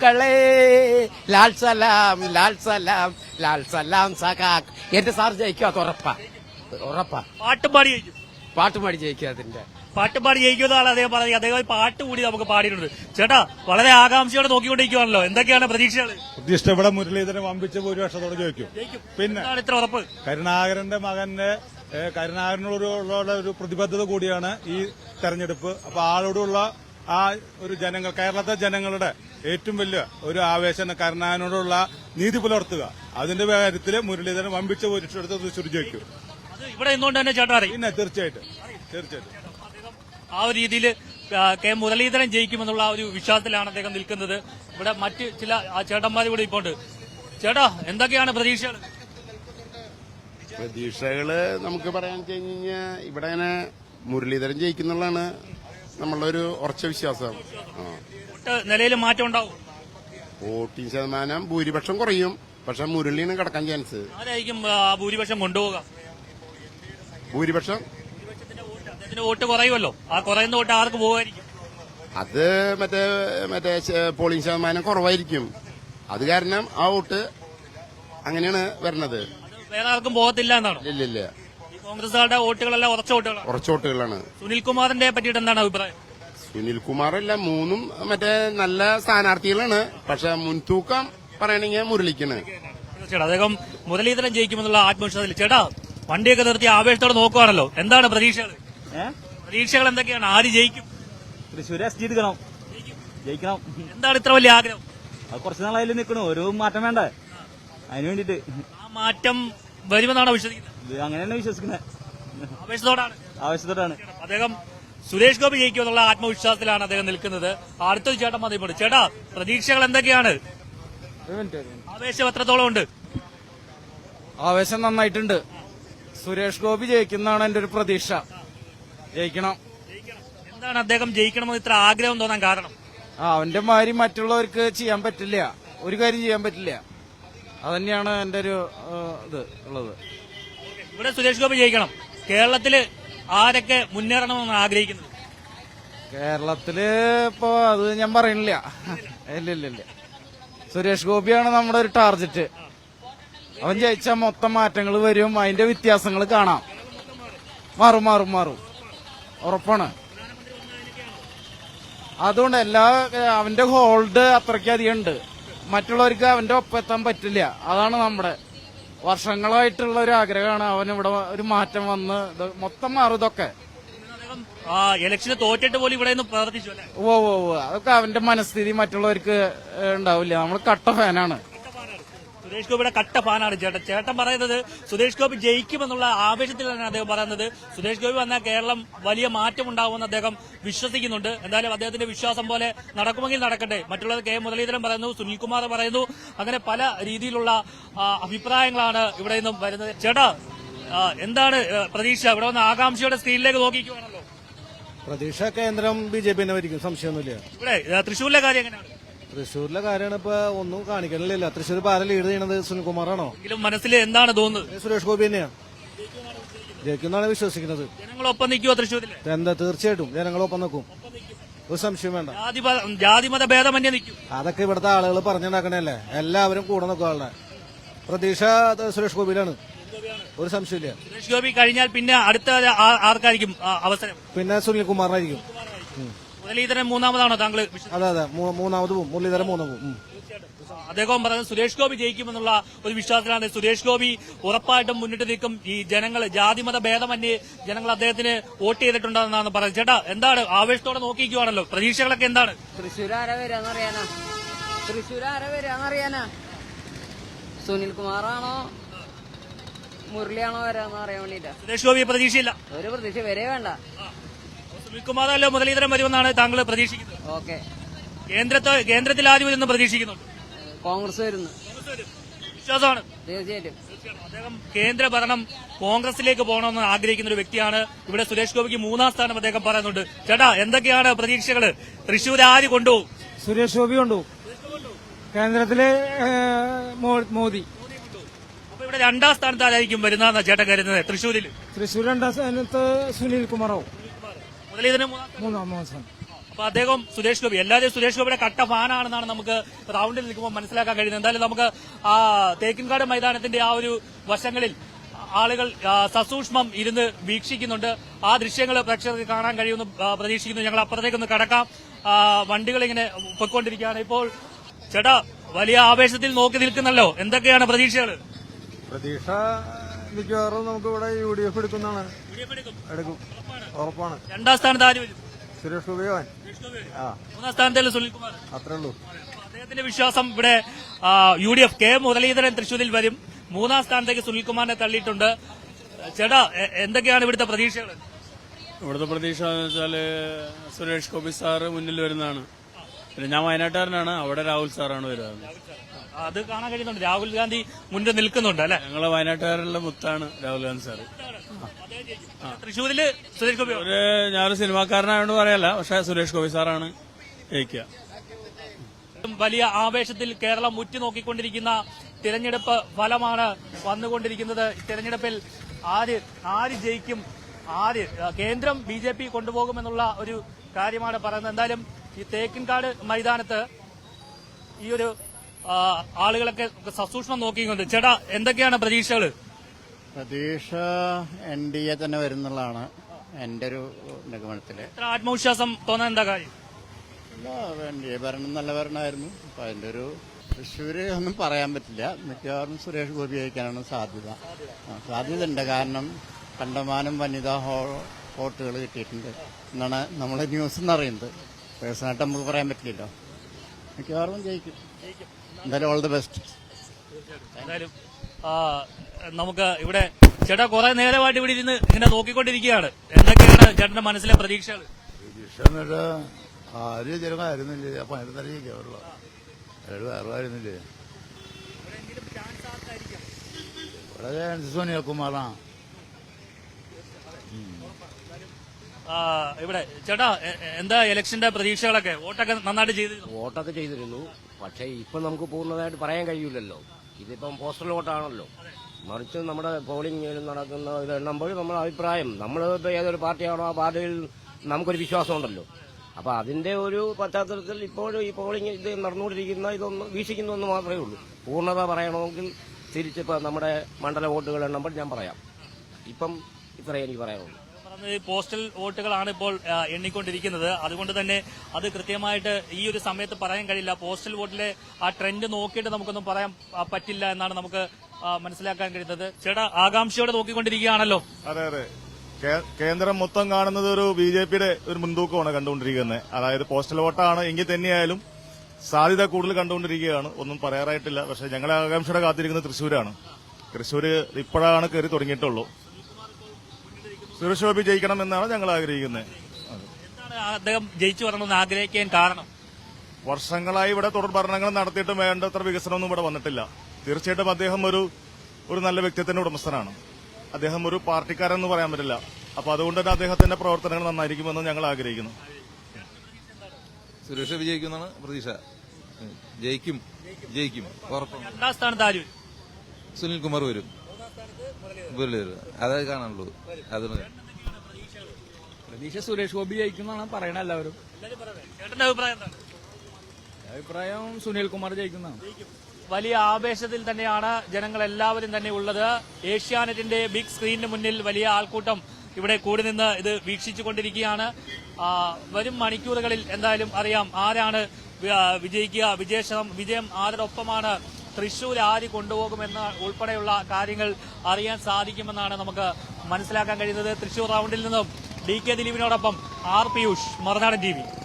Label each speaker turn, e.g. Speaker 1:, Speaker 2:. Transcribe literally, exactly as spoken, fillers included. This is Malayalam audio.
Speaker 1: സഖാക്കളെ ലാൽ സലാം ലാൽ സലാം ലാൽ സലാം സഖാക്ക്. എന്റെ സാർ ജയിക്കും, അത് ഉറപ്പാ ഉറപ്പാ.
Speaker 2: പാട്ടുപാടി ജയിക്കും.
Speaker 1: പാട്ടുപാടി ജയിക്കും. അതിന്റെ
Speaker 2: പാട്ടുപാടി ജയിക്കുന്നതാണ് അദ്ദേഹം പറഞ്ഞത്. അദ്ദേഹം പാട്ട് കൂടി നമുക്ക് പാടിയിട്ടുണ്ട്. ചേട്ടാ, വളരെ ആകാംക്ഷയോടെ നോക്കിക്കൊണ്ടിരിക്കുവാണല്ലോ, എന്തൊക്കെയാണ് പ്രതീക്ഷകൾ?
Speaker 3: പ്രതിഷ്ഠ ഇവിടെ മുരളീധരൻ വമ്പിച്ച ഭൂരിപക്ഷത്തോടെ ജയിക്കും. പിന്നെ
Speaker 2: ഇത്ര ഉറപ്പ്?
Speaker 3: കരുണാകരന്റെ മകന്റെ കരുണാകരനോടുള്ള ഒരു പ്രതിബദ്ധത കൂടിയാണ് ഈ തെരഞ്ഞെടുപ്പ്. അപ്പൊ ആളോടുള്ള ആ ഒരു ജനങ്ങൾ, കേരളത്തെ ജനങ്ങളുടെ ഏറ്റവും വലിയ ഒരു ആവേശം കരുണാകരനോടുള്ള നീതി പുലർത്തുക. അതിന്റെ കാര്യത്തിൽ മുരളീധരൻ വമ്പിച്ച ഭൂരിപക്ഷത്തെ തൃശ്ശൂർ ജയിക്കും.
Speaker 2: ഇവിടെ നിന്നുകൊണ്ട് തന്നെ ചേട്ടാ അറിയും.
Speaker 3: പിന്നെ തീർച്ചയായിട്ടും തീർച്ചയായിട്ടും
Speaker 2: ആ ഒരു രീതിയിൽ കെ മുരളീധരൻ ജയിക്കുമെന്നുള്ള ആ ഒരു വിശ്വാസത്തിലാണ് അദ്ദേഹം നിൽക്കുന്നത്. ഇവിടെ മറ്റ് ചില ചേട്ടന്മാർ കൂടി ഇപ്പോൾ ഉണ്ട്. ചേട്ടാ, എന്തൊക്കെയാണ് പ്രതീക്ഷകൾ?
Speaker 4: പ്രതീക്ഷകള് നമുക്ക് പറയാൻ വെച്ച് കഴിഞ്ഞാൽ ഇവിടെ അങ്ങനെ മുരളീധരൻ ജയിക്കുന്നുള്ളതാണ് നമ്മളുടെ ഒരു ഉറച്ച വിശ്വാസം.
Speaker 2: നിലയിൽ മാറ്റം ഉണ്ടാവും.
Speaker 4: വോട്ടിംഗ് ശതമാനം ഭൂരിപക്ഷം കുറയും, പക്ഷെ മുരളിയാണ് കിടക്കാൻ ചാൻസ്.
Speaker 2: ആരായിരിക്കും ഭൂരിപക്ഷം കൊണ്ടുപോകുക?
Speaker 4: ഭൂരിപക്ഷം
Speaker 2: വോട്ട് കുറയുമല്ലോ, ആ കുറയുന്ന വോട്ട് ആർക്ക് പോകുമായിരിക്കും?
Speaker 4: അത് മറ്റേ മറ്റേ പോളിംഗ് ശതമാനം കുറവായിരിക്കും. അത് കാരണം ആ വോട്ട് അങ്ങനെയാണ് വരണത്.
Speaker 2: വേറെ ആർക്കും പോകത്തില്ല എന്നാണ്?
Speaker 4: ഇല്ലില്ല,
Speaker 2: കോൺഗ്രസുകാരുടെ വോട്ടുകളെല്ലാം ഉറച്ച വോട്ടുകളാണ്.
Speaker 4: ഉറച്ച വോട്ടുകളാണ്.
Speaker 2: സുനിൽകുമാറിന്റെ പറ്റിയിട്ട് എന്താണ് അഭിപ്രായം?
Speaker 4: സുനിൽകുമാറല്ല, മൂന്നും മറ്റേ നല്ല സ്ഥാനാർത്ഥികളാണ്, പക്ഷെ മുൻതൂക്കം പറയണെങ്കിൽ മുരളിക്കാണ്.
Speaker 2: അദ്ദേഹം മുരളീധരൻ ജയിക്കുമെന്നുള്ള ആത്മവിശ്വാസത്തിൽ. ചേട്ടാ, വണ്ടിയൊക്കെ നിർത്തി ആവേശത്തോടെ നോക്കുവാണല്ലോ, എന്താണ് പ്രതീക്ഷകൾ? പ്രതീക്ഷകൾ എന്തൊക്കെയാണ്? ആര് ജയിക്കും?
Speaker 5: തൃശ്ശൂർ എസ് ജി എടുക്കണം, ജയിക്കണം.
Speaker 2: എന്താണ് ഇത്ര വലിയ ആഗ്രഹം?
Speaker 5: അത് കുറച്ച് നാളായാലും നിൽക്കണു, ഒരു മാറ്റം വേണ്ടേ, അതിന് വേണ്ടിട്ട്.
Speaker 2: ആ മാറ്റം വരുമെന്നാണോ വിശ്വസിക്കുന്നത്?
Speaker 5: അങ്ങനെ തന്നെ വിശ്വസിക്കുന്നത്.
Speaker 2: ആവേശത്തോടാണ്
Speaker 5: ആവശ്യത്തോടാണ്.
Speaker 2: അദ്ദേഹം സുരേഷ് ഗോപി ജയിക്കുമെന്നുള്ള ആത്മവിശ്വാസത്തിലാണ് അദ്ദേഹം നിൽക്കുന്നത്. അടുത്തൊരു ചേട്ടൻ മതിപ്പോണ്ട്. ചേട്ടാ, പ്രതീക്ഷകൾ എന്തൊക്കെയാണ്? ആവേശം എത്രത്തോളം ഉണ്ട്?
Speaker 1: ആവേശം നന്നായിട്ടുണ്ട്. സുരേഷ് ഗോപി ജയിക്കുന്നതാണ് എന്റെ ഒരു പ്രതീക്ഷ. ജയിക്കണം.
Speaker 2: എന്താണ് അദ്ദേഹം ജയിക്കണമെന്ന് ഇത്ര ആഗ്രഹം തോന്നാൻ കാരണം?
Speaker 1: ആ അവന്റെ മാതിരി മറ്റുള്ളവർക്ക് ചെയ്യാൻ പറ്റില്ല, ഒരു കാര്യം ചെയ്യാൻ പറ്റില്ല. അതന്നെയാണ് എന്റെ ഒരു ഇത് ഉള്ളത്.
Speaker 2: ഇവിടെ സുരേഷ് ഗോപി ജയിക്കണം. കേരളത്തില് ആരൊക്കെ മുന്നേറണമെന്ന് ആഗ്രഹിക്കുന്നത്?
Speaker 1: കേരളത്തില് ഇപ്പൊ അത് ഞാൻ പറയണില്ല. ഇല്ല ഇല്ല ഇല്ല സുരേഷ് ഗോപിയാണ് നമ്മുടെ ഒരു ടാർജറ്റ്. അവൻ ജയിച്ചാൽ മൊത്തം മാറ്റങ്ങൾ വരും, അതിന്റെ വ്യത്യാസങ്ങൾ കാണാം. മാറും മാറും മാറും ഉറപ്പാണ്. അതുകൊണ്ട് എല്ലാ അവന്റെ ഹോൾഡ് അത്രയ്ക്കധികം ഉണ്ട്. മറ്റുള്ളവർക്ക് അവന്റെ ഒപ്പം എത്താൻ പറ്റില്ല. അതാണ് നമ്മുടെ വർഷങ്ങളായിട്ടുള്ള ഒരു ആഗ്രഹമാണ്. അവൻ ഇവിടെ ഒരു മാറ്റം വന്ന് മൊത്തം മാറും. ഇതൊക്കെ
Speaker 2: ഇലക്ഷന് തോറ്റിട്ട് പോലും ഇവിടെ നിന്ന് പ്രവർത്തിച്ചു.
Speaker 1: ഓ ഓ ഓ അതൊക്കെ അവന്റെ മനസ്ഥിതി മറ്റുള്ളവർക്ക് ഉണ്ടാവില്ല. നമ്മൾ കട്ട ഫാനാണ്.
Speaker 2: സുരേഷ് ഗോപിയുടെ കട്ട ഫാനാണ് ചേട്ടൻ. ചേട്ടൻ പറയുന്നത് സുരേഷ് ഗോപി ജയിക്കുമെന്നുള്ള ആവേശത്തിലാണ് അദ്ദേഹം പറയുന്നത്. സുരേഷ് ഗോപി വന്നാൽ കേരളം വലിയ മാറ്റം ഉണ്ടാവുമെന്ന് അദ്ദേഹം വിശ്വസിക്കുന്നുണ്ട്. എന്തായാലും അദ്ദേഹത്തിന്റെ വിശ്വാസം പോലെ നടക്കുമെങ്കിൽ നടക്കട്ടെ. മറ്റുള്ളത് കെ മുരളീധരൻ പറയുന്നു, സുനിൽകുമാർ പറയുന്നു, അങ്ങനെ പല രീതിയിലുള്ള അഭിപ്രായങ്ങളാണ് ഇവിടെ നിന്നും വരുന്നത്. ചേട്ടാ, എന്താണ് പ്രതീക്ഷ? ഇവിടെ വന്ന് ആകാംക്ഷയുടെ സ്ക്രീനിലേക്ക് നോക്കിക്കുവാണല്ലോ.
Speaker 6: പ്രതീക്ഷ കേന്ദ്രം ബി ജെ പി വരിക്കും, സംശയമൊന്നുമില്ല.
Speaker 2: ഇവിടെ തൃശ്ശൂരിലെ കാര്യം എങ്ങനെയാണ്?
Speaker 6: തൃശ്ശൂരിലെ കാര്യമാണ് ഇപ്പൊ ഒന്നും കാണിക്കണില്ല. തൃശ്ശൂർ ഇപ്പൊ ആരെ ലീഡ് ചെയ്യണത്? സുനിൽകുമാറാണോ?
Speaker 2: മനസ്സിൽ എന്താണ് തോന്നുന്നത്?
Speaker 6: സുരേഷ് ഗോപി തന്നെയാണ് ജയിക്കുന്നതാണ് വിശ്വസിക്കുന്നത്.
Speaker 2: ജനങ്ങളൊപ്പം നിൽക്കുമോ തൃശ്ശൂരിൽ?
Speaker 6: എന്താ, തീർച്ചയായിട്ടും ജനങ്ങളൊപ്പം നിൽക്കും, ഒരു സംശയം വേണ്ട.
Speaker 2: ജാതിമത ഭേദമന്യേ നിൽക്കും.
Speaker 6: അതൊക്കെ ഇവിടുത്തെ ആളുകൾ പറഞ്ഞുണ്ടാക്കണല്ലേ. എല്ലാവരും കൂടെ നിൽക്കും. ആളുടെ പ്രതീക്ഷ സുരേഷ് ഗോപിയിലാണ്, ഒരു സംശയമില്ല.
Speaker 2: സുരേഷ് ഗോപി കഴിഞ്ഞാൽ പിന്നെ അടുത്ത ആർക്കായിരിക്കും അവസരം?
Speaker 6: പിന്നെ സുനിൽകുമാറിനായിരിക്കും.
Speaker 2: മുരളീധരൻ മൂന്നാമതാണോ താങ്കൾ?
Speaker 6: അതെ അതെ, മൂന്നാമത് പോകും. മുരളീധരൻ മൂന്നാമത് പോകും.
Speaker 2: അദ്ദേഹം പറഞ്ഞത് സുരേഷ് ഗോപി ജയിക്കുമെന്നുള്ള ഒരു വിശ്വാസത്തിലാണ്. സുരേഷ് ഗോപി ഉറപ്പായിട്ടും മുന്നിട്ട് നിൽക്കും. ഈ ജനങ്ങൾ ജാതിമത ഭേദമന്യേ ജനങ്ങൾ അദ്ദേഹത്തിന് വോട്ട് ചെയ്തിട്ടുണ്ടെന്നാണ് പറയുന്നത്. ചേട്ടാ, എന്താണ് ആവേശത്തോടെ നോക്കിക്കുവാണല്ലോ, പ്രതീക്ഷകളൊക്കെ എന്താണ്?
Speaker 7: തൃശ്ശൂർ ആരാ വരാന്നറിയാനാ? തൃശ്ശൂർ ആരാ വരാന്നറിയാനാ? സുനിൽകുമാറാണോ മുരളിയാണോ വരാന്ന് അറിയാൻ വേണ്ടിട്ടാ.
Speaker 2: സുരേഷ് ഗോപി പ്രതീക്ഷയില്ല,
Speaker 7: ഒരു പ്രതീക്ഷ വരേ വേണ്ട.
Speaker 2: സുനിൽകുമാറല്ലോ മുരളീധരൻ വരുമെന്നാണ് താങ്കൾ പ്രതീക്ഷിക്കുന്നത്?
Speaker 7: ഓക്കെ.
Speaker 2: കേന്ദ്രത്തെ കേന്ദ്രത്തിൽ ആദ്യം വരുന്ന പ്രതീക്ഷിക്കുന്നുണ്ട്.
Speaker 7: കോൺഗ്രസ് വരുന്നു,
Speaker 2: വിശ്വാസമാണ്.
Speaker 7: തീർച്ചയായിട്ടും
Speaker 2: അദ്ദേഹം കേന്ദ്ര ഭരണം കോൺഗ്രസിലേക്ക് പോകണമെന്ന് ആഗ്രഹിക്കുന്ന ഒരു വ്യക്തിയാണ്. ഇവിടെ സുരേഷ് ഗോപിക്ക് മൂന്നാം സ്ഥാനം അദ്ദേഹം പറയുന്നുണ്ട്. ചേട്ടാ, എന്തൊക്കെയാണ് പ്രതീക്ഷകള്? തൃശ്ശൂർ ആര് കൊണ്ടുപോകും?
Speaker 8: സുരേഷ് ഗോപി കൊണ്ടുപോകും. കേന്ദ്രത്തിലെ മോദി.
Speaker 2: അപ്പൊ ഇവിടെ രണ്ടാം സ്ഥാനത്ത് ആരായിരിക്കും വരുന്ന ചേട്ടൻ കരുതുന്നത് തൃശ്ശൂരിൽ?
Speaker 8: തൃശ്ശൂർ രണ്ടാം സ്ഥാനത്ത് സുനിൽ കുമാറാവും.
Speaker 2: മുരളീധരൻ
Speaker 8: മൂന്നാം മാസം.
Speaker 2: അപ്പൊ അദ്ദേഹം സുരേഷ് ഗോപി എല്ലാവരും സുരേഷ് ഗോപിയുടെ കട്ട ഫാനാണെന്നാണ് നമുക്ക് റൗണ്ടിൽ നിൽക്കുമ്പോൾ മനസ്സിലാക്കാൻ കഴിയുന്നത്. എന്തായാലും നമുക്ക് ആ തേക്കിൻകാട് മൈതാനത്തിന്റെ ആ ഒരു വശങ്ങളിൽ ആളുകൾ ആ, സസൂക്ഷ്മം ഇരുന്ന് വീക്ഷിക്കുന്നുണ്ട്. ആ ദൃശ്യങ്ങൾ പ്രേക്ഷകർക്ക് കാണാൻ കഴിയുമെന്ന് ആ, പ്രതീക്ഷിക്കുന്നു. ഞങ്ങൾ അപ്പുറത്തേക്കൊന്ന് കടക്കാം. ആ, വണ്ടികൾ ഇങ്ങനെ പൊയ്ക്കൊണ്ടിരിക്കുകയാണ്. ഇപ്പോൾ ചേട്ടാ വലിയ ആവേശത്തിൽ നോക്കി നിൽക്കുന്നല്ലോ, എന്തൊക്കെയാണ് പ്രതീക്ഷകൾ?
Speaker 6: പ്രതീക്ഷ മിക്കവാറും നമുക്ക് ഇവിടെ യു ഡി എഫ് എടുക്കുന്നതാണ്. എടുക്കും, ഉറപ്പാണ്.
Speaker 2: രണ്ടാം സ്ഥാനത്ത് ആര് വരും?
Speaker 6: സുരേഷ് ഗോപി ഭവൻ. ആ,
Speaker 2: മൂന്നാം സ്ഥാനത്തല്ലേ സുനിൽകുമാർ?
Speaker 6: അത്രേ ഉള്ളൂ.
Speaker 2: അദ്ദേഹത്തിന്റെ വിശ്വാസം ഇവിടെ U D F K Muraleedharan തൃശ്ശൂരിൽ വരും. മൂന്നാം സ്ഥാനത്തേക്ക് സുനിൽകുമാറിനെ തള്ളിയിട്ടുണ്ട്. ചേട്ടാ എ- എന്തൊക്കെയാണ് ഇവിടുത്തെ പ്രതീക്ഷകൾ?
Speaker 9: ഇവിടുത്തെ പ്രതീക്ഷ എന്ന് വെച്ചാല് സുരേഷ് ഗോപി സാറ് മുന്നിൽ വരുന്നതാണ്. പിന്നെ ഞാൻ വയനാട്ടുകാരനാണ്, അവിടെ രാഹുൽ സാറാണ് വരുന്നത്.
Speaker 2: അത് കാണാൻ കഴിയുന്നുണ്ട്. രാഹുൽ ഗാന്ധി മുന്നിൽ നിൽക്കുന്നുണ്ട് അല്ലെ?
Speaker 9: ഞങ്ങളെ വയനാട്ടുകാരുടെ മുത്താണ് രാഹുൽ ഗാന്ധി സാറ്.
Speaker 2: തൃശ്ശൂരില് സുരേഷ് ഗോപി
Speaker 9: ഒരു ഞാനൊരു സിനിമാക്കാരനായോണ്ട് പറയല്ല, പക്ഷെ സുരേഷ് ഗോപി സാറാണ് ജയിക്കുക.
Speaker 2: വലിയ ആവേശത്തിൽ കേരളം ഉറ്റുനോക്കിക്കൊണ്ടിരിക്കുന്ന തിരഞ്ഞെടുപ്പ് ഫലമാണ് വന്നുകൊണ്ടിരിക്കുന്നത്. തിരഞ്ഞെടുപ്പിൽ ആര് ആര് ജയിക്കും, ആര് കേന്ദ്രം ബി ജെ പി കൊണ്ടുപോകുമെന്നുള്ള ഒരു കാര്യമാണ് പറയുന്നത്. എന്തായാലും ഈ തേക്കിൻകാട് മൈതാനത്ത് ഈ ഒരു ആ, ആളുകളൊക്കെ സസൂക്ഷ്മം നോക്കിക്കൊണ്ട് ചേട്ടാ എന്തൊക്കെയാണ് പ്രതീക്ഷകൾ?
Speaker 10: പ്രതീക്ഷ എൻ ഡി എ തന്നെ വരുന്നുള്ളതാണ് എന്റെ ഒരു നിഗമനത്തില്.
Speaker 2: ഇത്ര ആത്മവിശ്വാസം തോന്നാൻ എന്താ കാര്യം?
Speaker 10: എൻ ഡി എ ഭരണം നല്ല ഭരണമായിരുന്നു. അപ്പൊ അതിന്റെ ഒരു തൃശ്ശൂര് ഒന്നും പറയാൻ പറ്റില്ല. മിക്കവാറും സുരേഷ് ഗോപി ജയിക്കാനാണ് സാധ്യത. ആ, സാധ്യത ഉണ്ട്. കാരണം കണ്ടമാനം വനിതാ വോട്ടുകൾ കിട്ടിയിട്ടുണ്ട് എന്നാണ് നമ്മളെ ന്യൂസ് എന്ന് അറിയുന്നത്. പേഴ്സണായിട്ട് നമുക്ക് പറയാൻ പറ്റില്ലല്ലോ. മിക്കവാറും ജയിക്കും. എന്തായാലും ഓൾ ദി ബെസ്റ്റ്.
Speaker 2: എന്തായാലും ആ, നമുക്ക് ഇവിടെ ചേട്ടാ കുറെ നേരമായിട്ട് ഇവിടെ ഇരുന്ന് ഇങ്ങനെ നോക്കിക്കൊണ്ടിരിക്കുകയാണ്. എന്തൊക്കെയാണ് ചേട്ടന്റെ മനസ്സിലെ പ്രതീക്ഷകൾ?
Speaker 11: പ്രതീക്ഷ ആരും ചെറുതായിരുന്നില്ലേ, അപ്പൊ അതിന് തന്നെ ജയിക്കാറുള്ള അയാൾ വേറെ ആയിരുന്നില്ലേ. ഇവിടെ ചാൻസ് സുനിൽകുമാറാണ്.
Speaker 2: ആ, ഇവിടെ ചേട്ടാ എ- എ- എന്താ ഇലക്ഷന്റെ പ്രതീക്ഷകളൊക്കെ? വോട്ടൊക്കെ നന്നായിട്ട് ചെയ്തു?
Speaker 12: വോട്ടൊക്കെ ചെയ്തിരുന്നു. പക്ഷേ ഇപ്പം നമുക്ക് പൂർണ്ണമായിട്ട് പറയാൻ കഴിയില്ലല്ലോ. ഇതിപ്പം പോസ്റ്റൽ വോട്ടാണല്ലോ. മറിച്ച് നമ്മുടെ പോളിംഗ് നടക്കുന്ന ഇത് എണ്ണുമ്പോൾ നമ്മുടെ അഭിപ്രായം, നമ്മൾ ഇപ്പോൾ ഏതൊരു പാർട്ടിയാണോ ആ പാർട്ടിയിൽ നമുക്കൊരു വിശ്വാസമുണ്ടല്ലോ. അപ്പോൾ അതിന്റെ ഒരു പശ്ചാത്തലത്തിൽ ഇപ്പോഴും ഈ പോളിംഗ് ഇത് നടന്നുകൊണ്ടിരിക്കുന്ന ഇതൊന്ന് വീക്ഷിക്കുന്നൊന്ന് മാത്രമേ ഉള്ളൂ. പൂർണ്ണത പറയണമെങ്കിൽ തിരിച്ചിപ്പോൾ നമ്മുടെ മണ്ഡല വോട്ടുകൾ എണ്ണുമ്പോൾ ഞാൻ പറയാം. ഇപ്പം ഇത്രയേ എനിക്ക് പറയാനുള്ളൂ.
Speaker 2: പറഞ്ഞത് പോസ്റ്റൽ വോട്ടുകളാണ് ഇപ്പോൾ ആ, എണ്ണിക്കൊണ്ടിരിക്കുന്നത്. അതുകൊണ്ട് തന്നെ അത് കൃത്യമായിട്ട് ഈ ഒരു സമയത്ത് പറയാൻ കഴിയില്ല. പോസ്റ്റൽ വോട്ടിലെ ആ ട്രെൻഡ് നോക്കിയിട്ട് നമുക്കൊന്നും പറയാൻ ആ, പറ്റില്ല എന്നാണ് നമുക്ക് ആ, മനസ്സിലാക്കാൻ കഴിയുന്നത്. ചേട്ടാ ആകാംക്ഷയോടെ നോക്കിക്കൊണ്ടിരിക്കുകയാണല്ലോ.
Speaker 3: അതെ അതെ കേ- കേന്ദ്രം മൊത്തം കാണുന്നത് ഒരു ബി ജെ പിയുടെ ഒരു മുൻതൂക്കമാണ് കണ്ടുകൊണ്ടിരിക്കുന്നത്. അതായത് പോസ്റ്റൽ വോട്ടാണ് എങ്കിൽ തന്നെയായാലും സാധ്യത കൂടുതൽ കണ്ടുകൊണ്ടിരിക്കുകയാണ്. ഒന്നും പറയാറായിട്ടില്ല. പക്ഷെ ഞങ്ങളെ ആകാംക്ഷയുടെ കാത്തിരിക്കുന്നത് തൃശ്ശൂരാണ്. തൃശ്ശൂര് ഇപ്പോഴാണ് കയറി തുടങ്ങിയിട്ടുള്ളൂ. സുരേഷ് ഗോപി ജയിക്കണം എന്നാണ് ഞങ്ങൾ ആഗ്രഹിക്കുന്നത്.
Speaker 2: എന്താണ് അദ്ദേഹം ജയിച്ചു വരണമെന്ന് ആഗ്രഹിക്കാൻ കാരണം?
Speaker 3: വർഷങ്ങളായി ഇവിടെ തുടർ ഭരണങ്ങൾ നടത്തിയിട്ടും വേണ്ടത്ര വികസനമൊന്നും ഇവിടെ വന്നിട്ടില്ല. തീർച്ചയായിട്ടും അദ്ദേഹം ഒരു ഒരു നല്ല വ്യക്തിത്വത്തിന്റെ ഉടമസ്ഥനാണ്. അദ്ദേഹം ഒരു പാർട്ടിക്കാരെന്ന് പറയാൻ പറ്റില്ല. അപ്പൊ അതുകൊണ്ട് തന്നെ അദ്ദേഹത്തിന്റെ പ്രവർത്തനങ്ങൾ നന്നായിരിക്കുമെന്ന് ഞങ്ങൾ ആഗ്രഹിക്കുന്നു.
Speaker 11: സുരേഷ് വിജയിക്കുന്നതാണ് പ്രതീക്ഷ. ജയിക്കും ജയിക്കും ഉറപ്പാണ്.
Speaker 2: രണ്ടാം സ്ഥാനത്ത് ആര്?
Speaker 11: സുനിൽകുമാർ വരും. അതേ കാണാനുള്ളൂ. അത്
Speaker 5: പ്രതീക്ഷ സുരേഷ് ഗോപി ജയിക്കുന്നതാണ് പറയണ എല്ലാവരും.
Speaker 2: ചേട്ടന്റെ അഭിപ്രായം എന്താണ്?
Speaker 5: അഭിപ്രായം സുനിൽകുമാർ ജയിക്കുന്നതാണ്.
Speaker 2: വലിയ ആവേശത്തിൽ തന്നെയാണ് ജനങ്ങൾ എല്ലാവരും തന്നെ ഉള്ളത്. ഏഷ്യാനെറ്റിന്റെ ബിഗ് സ്ക്രീനിന് മുന്നിൽ വലിയ ആൾക്കൂട്ടം ഇവിടെ കൂടി നിന്ന് ഇത് വീക്ഷിച്ചുകൊണ്ടിരിക്കുകയാണ്. ആ, വരും മണിക്കൂറുകളിൽ എന്തായാലും അറിയാം ആരാണ് വി- വിജയിക്കുക, വിജയം വിജയം ആരുടെ ഒപ്പമാണ്, തൃശൂർ ആര് കൊണ്ടുപോകുമെന്ന് ഉൾപ്പെടെയുള്ള കാര്യങ്ങൾ അറിയാൻ സാധിക്കുമെന്നാണ് നമുക്ക് മനസ്സിലാക്കാൻ കഴിയുന്നത്. തൃശൂർ റൗണ്ടിൽ നിന്നും ഡി കെ ദിലീപിനോടൊപ്പം R Piyush, Marunadan T V.